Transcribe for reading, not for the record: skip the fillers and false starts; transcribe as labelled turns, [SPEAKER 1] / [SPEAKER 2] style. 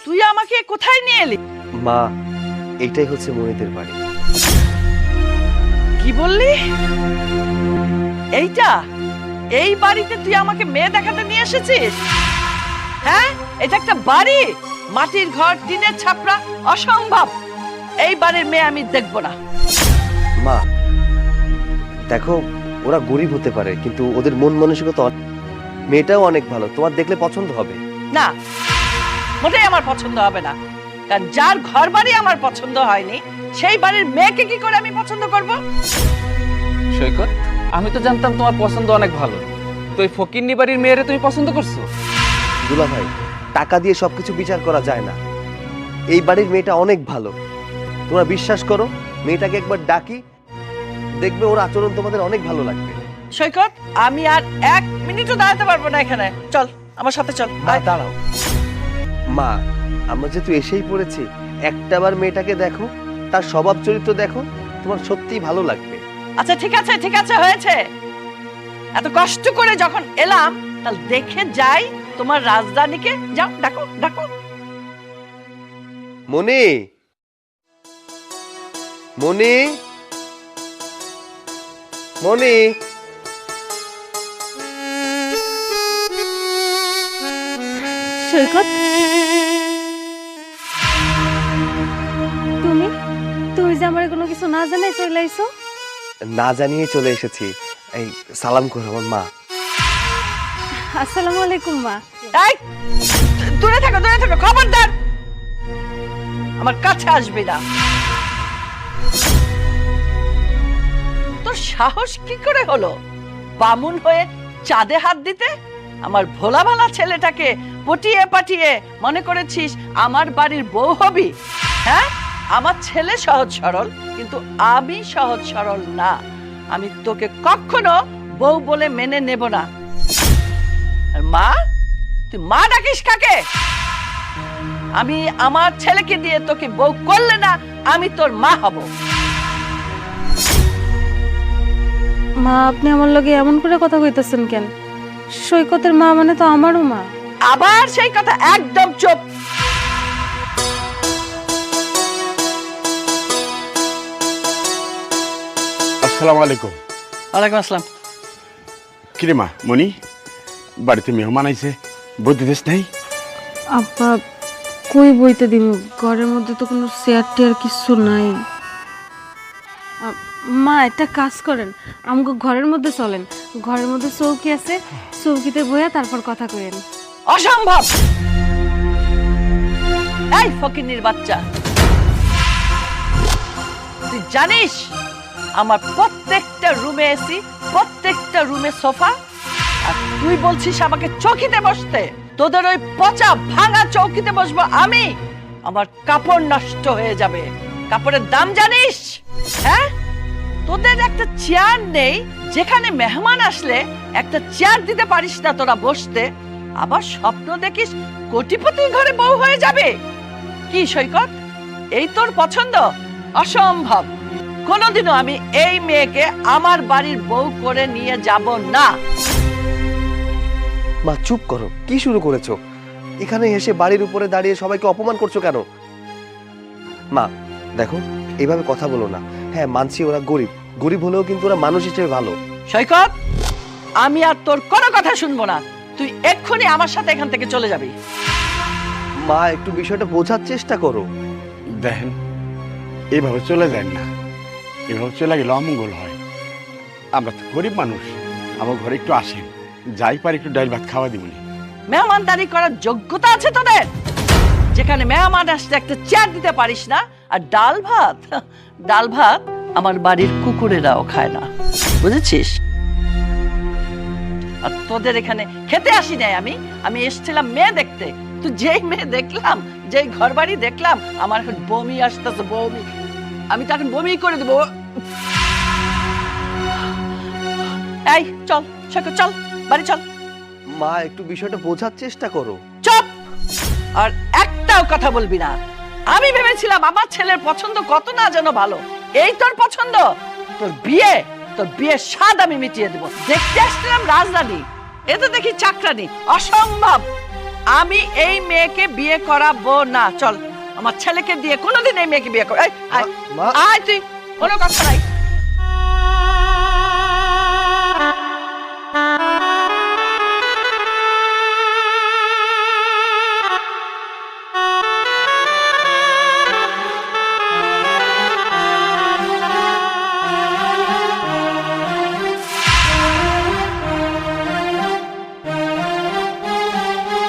[SPEAKER 1] তুই আমাকে কোথায় নিয়ে এলি?
[SPEAKER 2] মা, এইটাই হচ্ছে মনিদের বাড়ি।
[SPEAKER 1] কি বললি? এইটা? এই বাড়িতে তুই আমাকে মেয়ে দেখাতে নিয়ে এসেছিস? হ্যাঁ, এটা একটা বাড়ি? মাটির ঘর, টিনের ছাপরা, অসম্ভব। এই বাড়ির মেয়ে আমি দেখব না।
[SPEAKER 2] মা দেখো, ওরা গরিব হতে পারে কিন্তু ওদের মন মানসিকতা মেয়েটাও অনেক ভালো, তোমার দেখলে পছন্দ হবে।
[SPEAKER 1] না, মোটেই আমার পছন্দ হবে না। কারণ যার ঘর বাড়ি আমার পছন্দ হয়নি, সেই বাড়ির মেয়েকে কি করে আমি পছন্দ করব?
[SPEAKER 3] সৈকত, আমি তো জানতাম তোমার পছন্দ অনেক ভালো, তো এই ফকিন্নি বাড়ির মেয়েরে তুমি পছন্দ করছো?
[SPEAKER 2] দুলা ভাই, টাকা দিয়ে সবকিছু বিচার করা যায় না। এই বাড়ির মেয়েটা অনেক ভালো, তোমরা বিশ্বাস করো। মেয়েটাকে একবার ডাকি, দেখবে ওর আচরণ তোমাদের অনেক ভালো লাগবে।
[SPEAKER 1] সৈকত, আমি আর 1 মিনিটও দাঁড়াতে পারবো না এখানে। চল আমার সাথে চল।
[SPEAKER 2] মা দাঁড়াও। মা, আমরা যেহেতু এসেই পড়েছি, একটাবার মেয়েটাকে দেখো, তার স্বভাব চরিত্র দেখো, তোমার সত্যিই ভালো লাগবে।
[SPEAKER 1] আচ্ছা ঠিক আছে, ঠিক আছে, হয়েছে। এত কষ্ট করে যখন এলাম, তাহলে দেখে যাই তোমার রাজধানীকে। যাও, ডাকো ডাকো।
[SPEAKER 2] মনি, মনি, মনি।
[SPEAKER 4] সৈকত, তুমি তুমি যে আমার কোনো কিছু না জানাই চলে আইছো?
[SPEAKER 2] না জানিয়ে চলে এসেছি। এই সালাম করো আমার মা।
[SPEAKER 4] আসসালামু আলাইকুম মা।
[SPEAKER 1] এই, দূরে থাকো, দূরে থাকো, খবরদার আমার কাছে আসবি না। তোর সাহস কি করে হলো বামুন হয়ে চাঁদে হাত দিতে? আমার ভোলা ভালা ছেলেটাকে পটিয়ে পাটিয়ে মনে করেছিস আমার বাড়ির বউ হবি? হ্যাঁ, আমার ছেলে সহজ সরল, কিন্তু আমি সহজ সরল না। আমি তোকে কখনো বউ বলে মেনে নেব না। আর মা, তুই মা ডাকিস কাকে? আমি আমার ছেলেকে দিয়ে তোকে বউ করলে না, আমি তোর মা হব।
[SPEAKER 4] মা, আপনি আমার লগে এমন করে কথা কইতেছেন কেন? সৈকতের মা মানে তো আমারও মা।
[SPEAKER 1] আবার সেই কথা, একদম চুপ।
[SPEAKER 5] আসসালামু আলাইকুম।
[SPEAKER 1] ওয়ালাইকুম আসসালাম।
[SPEAKER 5] কিরে মা, মনি, বাড়িতে মেহমান আইছে, বইতে দেশ নাই?
[SPEAKER 4] আব্বা, কই বইতে দিব? ঘরের মধ্যে তো কোনো চেয়ার টেয়ার কিছু নাই। মা, একটা কাজ করেন, আমাকে ঘরের মধ্যে চলেন। ঘরের মধ্যে চৌকি আছে, চৌকিতে বইয়া তারপর কথা কইেন।
[SPEAKER 1] অসম্ভব। এই ফকিন্নির বাচ্চা, তুই জানিস আমার প্রত্যেকটা রুমে এসি, প্রত্যেকটা রুমে সোফা, আর তুই বলছিস আমাকে চৌকিতে বসতে? তোদের ওই পচা ভাঙা চৌকিতে বসবো আমি? আমার কাপড় নষ্ট হয়ে যাবে। কাপড়ের দাম জানিস? হ্যাঁ, তোদের একটা চেয়ার নেই, যেখানে মেহমান আসলে একটা চেয়ার দিতে পারিস না তোরা বসতে। আবার স্বপ্ন দেখিস কোটিপতি ঘরে বউ হয়ে যাবে। কি সৈকত, এই তোর পছন্দ? অসম্ভব। কোনোদিনও আমি এই মেয়েকে আমার বাড়ির বউ করে নিয়ে যাব না।
[SPEAKER 2] মা চুপ করো, কি শুরু করেছো? এখানে এসে বাড়ির উপরে দাঁড়িয়ে সবাইকে অপমান করছো কেন? মা দেখো, এইভাবে কথা বলো না। হ্যাঁ মানছি ওরা গরিব, গরিব হলেও কিন্তু ওরা মানুষ হিসেবে ভালো।
[SPEAKER 1] সৈকত, আমি আর তোর কোনো কথা শুনবো না। তুই এক্ষুনি আমার সাথে এখান থেকে চলে যাবি।
[SPEAKER 2] মা একটু বিষয়টা বোঝার চেষ্টা করো।
[SPEAKER 5] দেখেন, এইভাবে চলে যায় না, এভাবে চলে গেলে অমঙ্গল হয়। আমরা তো গরিব মানুষ, আমার ঘরে একটু আসেন, যাই পারি একটু ডাল ভাত খাওয়া দিবনি।
[SPEAKER 1] মেহমানদারি করার যোগ্যতা আছে তোদের? যেখানে মেহমান আসলে একটা চেয়ার দিতে পারিস না, আর ডাল ভাত, ডাল ভাত আমার বাড়ির কুকুরেরাও খায় না, বুঝেছিস? আর তোদের এখানে খেতে আসি নাই আমি, আমি এসেছিলাম মেয়ে দেখতে। তো যেই মেয়ে দেখলাম, যেই ঘর বাড়ি দেখলাম, আমার এখন বমি আসতেছে, বমি। আমি তো এখন বমি করে দেবো। এই চল সৈকত, চল বাড়ি চল।
[SPEAKER 2] মা একটু বিষয়টা বোঝার চেষ্টা করো।
[SPEAKER 1] চুপ! আর একটাও কথা বলবি না। আমি ভেবেছিলাম আমার ছেলের পছন্দ কত না যেন ভালো। এই তোর পছন্দ? তোর বিয়ের স্বাদ আমি মিটিয়ে দেবো। দেখতে আসছিলাম রাজধানী, এ তো দেখি চাকরানি। অসম্ভব। আমি এই মেয়েকে বিয়ে করাবো না। চল, আমার ছেলেকে দিয়ে কোনোদিন এই মেয়েকে বিয়ে কর। এই, আয়,
[SPEAKER 2] মা
[SPEAKER 1] আয় তুই, কোনো কথা নাই।